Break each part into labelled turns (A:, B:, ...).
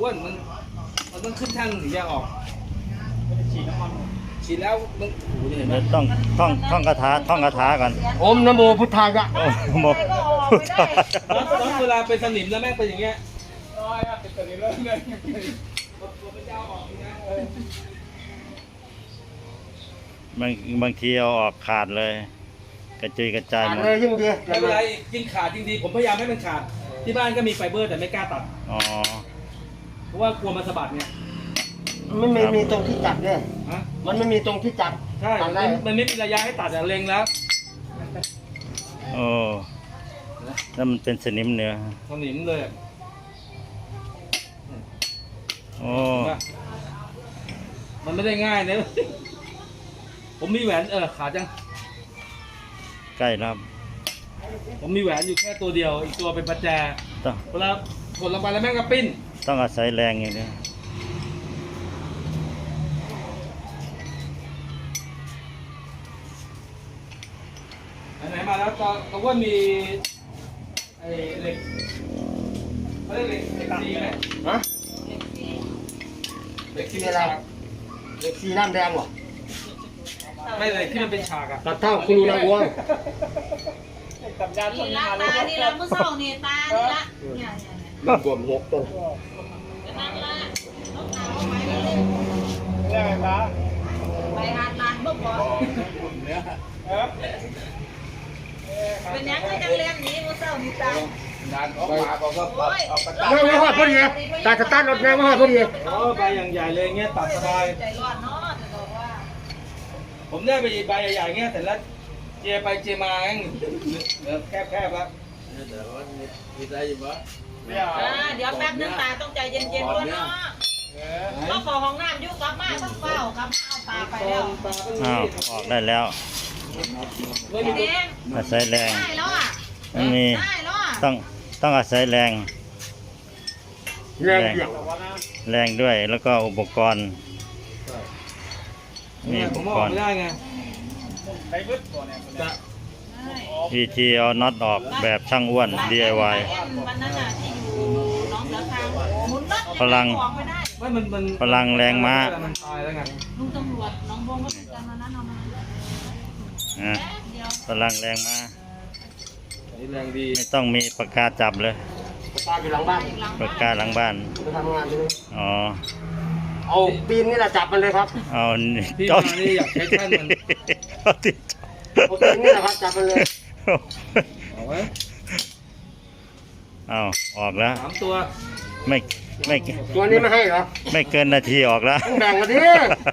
A: อ้วนมันต้องขึ้นช่างถึงจะออกฉีดแล้วมันโอ้โหเห็นไหม
B: เดี๋ยวต้องท่องคาถาก่อน
C: โอมนะโมพุทธายะ
B: โอ้โหพุทธะ
A: แล้วเวลาเป็นสนิมแล้วแม่งเป็นอย่างเงี้ยเป็นสนิมแล้วเงย
B: บางทีเอาออกขาดเลย กระจุยกระจายหมด
C: เลยยิ่งดี
A: ไม่เป็นไรยิ่งขาดยิ่งดีผมพยายามให้มันขาดที่บ้านก็มีไฟเบอร์แต่ไม่กล้าตัด
B: อ๋อ
A: เพราะว่ากลัวมันสะบัดไง
C: มันไม่มีตรงที่จับเนี่ย
A: ฮะ
C: มันไม่มีตรงที่จับ
A: ใช่
C: ตัดได้
A: มันไม่มีระยะให้ตัดอะเล็งแล้ว
B: โอ้แล้วมันเป็นสนิมเนื้อ
A: สนิมเลยอะ
B: โอ้
A: มันไม่ได้ง่ายนะ ผมมีแหวนขาดจัง
B: ใกล้แล้ว
A: ผมมีแหวนอยู่แค่ตัวเดียวอีกตัวเป็นประแจ
B: ต้อง
A: เวลากดลงไปแล้วแม่งก็ปิ้น
B: ต้องอาศัยแรงอย่างนี้
A: ไหนๆมาแล้วตอนว่ามีไอ้เหล็กเขาเรียกเหล็กสีไหม
C: ฮะ
A: เหล็กที่
C: มี
A: เป็น
C: อะไร
A: ฉาก
C: เด็กสีน้ำแดงเหรอ
A: ไม่เหล็กที่มันเป็นฉากอะ
C: ตัดเท่าคุณนางวัว
D: นี่ละตานี่ละเมื่อเช้านี่ตานี่ละเนี่ย
C: มันบวมหกตัว
D: นั่นละต้องตาเอาไปเลยไปหาทานบ่พอเป็นยังไงจังเลี้ยงนี้เมื่อเช้านี่ตา โอ้ย
C: ไม่หอดพอดีตาสตาร์ทรถไม่หอดพอดี
A: โอ้ใบอย่างใหญ่เลยเงี้ยตัดสบาย
D: ใจร้อนเนาะจะบอกว่า
A: ผมได้ไปใบใหญ่ๆเงี้ยแต่ละเจไปเจมาเองเหลือแคบๆแล้ว
D: เดี๋ยวแป๊บนึงตาต้องใจเย็นๆด้วยเนาะก็ขอห้องน้ำยุกกลับมาต้องเฝ้ากลับมาเอาตาไปแล้ว
B: อ้าวออกได้แล้ว
A: ไม่มี
D: เด้ง
B: อาศัยแรง
D: ได้แล้วอ่ะ
B: มันมี
D: ได้แล้วอ่ะ
B: ต้องอาศัยแรง
C: แรงเกี่ยว
B: แรงด้วยแล้วก็อุปกรณ์มี
A: เนี่ย
B: อุ
A: ผ
B: ป
A: ม
B: ก
A: ออก
B: รณ์
A: ไม่ได้ไงจะ
B: วิธีเอาน็อตออกแบบช่างอ้วน DIY
D: วันนั้นน่ะที่อยู่น้องเสือคางหมุนรถ
B: พลัง
D: ออกไม่ได้
A: ไม่มัน
B: พลังแรงม้า
A: มันตายแล้วไง
D: ลุงตำรวจน้องบงก็เป็นกันวันนั้นเอามา
B: อ่ะ
D: เดี๋ยว
B: พลังแรงมา
A: นี่แรงดี
B: ไม่ต้องมีปากกาจับเลย
C: ตาอยู่หลังบ้าน
D: หลัง
B: ปากกาหลังบ้าน
C: ไปทำงานเลย
B: อ๋อ
C: เอาปีนนี่แหละจับมันเลยครับ
B: เอานี่
A: พี่
B: จ้
A: มานี่อยากใช้แท่นมัน
B: เอาที่
C: เอาปีนนี่แหละครับจับมันเลย
A: เอาไว้
B: เอาออกแล้ว
A: 3 ตัว
B: ไม่ไม่
C: ตัวนี้ไม่ให้เหรอ
B: ไม่เกินนาทีออกแล้ว
C: ต้องแบ่งกันดิ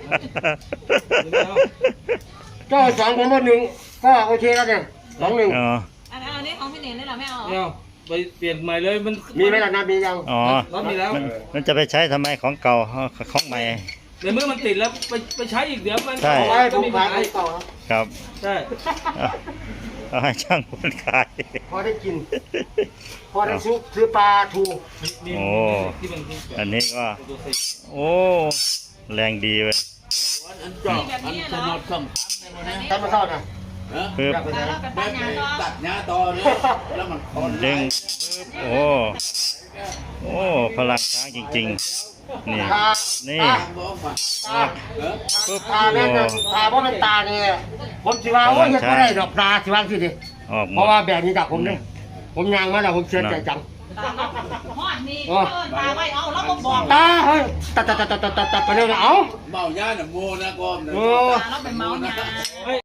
C: ก็สองผมว่าหนึ่งก็โอเคแล้วเนี่ยสองหนึ่ง
B: อ๋อ
D: อันนี้ของพี่เน่งนี่เหรอไม่เอา
A: เนี่ยไปเปลี่ยนใหม่เลยมัน
C: มีไหมล่ะนะมียัง
B: อ๋อ
A: รถมีแล้ว
B: มันจะไปใช้ทำไมของเก่าของใหม่
A: ในเมื่อมันติดแล้วไปใช้อีกเดี๋ยวมัน
B: ใช่
C: เอาไว้ผ
A: ก็
C: ม
A: มี
C: ขา
A: ปั
C: ย
A: ญหา
C: ให้ต่อครับ
B: ครับ
A: ใช่
B: เอาให้ช่างคนขาย
C: พอได้กิน พอได้ซุปซื้อปลาทู
A: นี่
B: โอ้
A: ที่มัน
B: อันนี้ก็ โอ้แรงดีเว้ย
D: มีแบบนี้เหรอ
C: ทำมาเข้านะ
B: ปึ๊บ
C: กลับไป
D: ตา
C: ไหน
D: เราไปปั้นยางก็
E: ตัดหญ้าตอเนี่ยแล้วมันคอน
B: ดึงปึ๊บโอ้โอ้พลังช้างจริงๆนี่
C: ตา
B: นี่
E: บอกมา
C: ตา
B: ปึ๊บ
C: ตาแม่นตาเพราะเป็นตาเนี่ยผมสิว่าโอ้ยยังไม่ได้ดอกตาสิว่าสิดิ
B: ออกหม
C: เพราะ
B: ด
C: ว่าแบบนี้จากผมเนี่ยผมยางมาแล้วผมเชื่อใจจัง
D: ตาหอดนี่เอิ้นตาไว้เอาแล้วก็บอก
C: ตาเฮ้ยตัดไปเร็วนะเอา
E: เมาหญ้าน่ะโมนะก้อมนะ
C: โอ้
D: ตาเราไปเมาหยา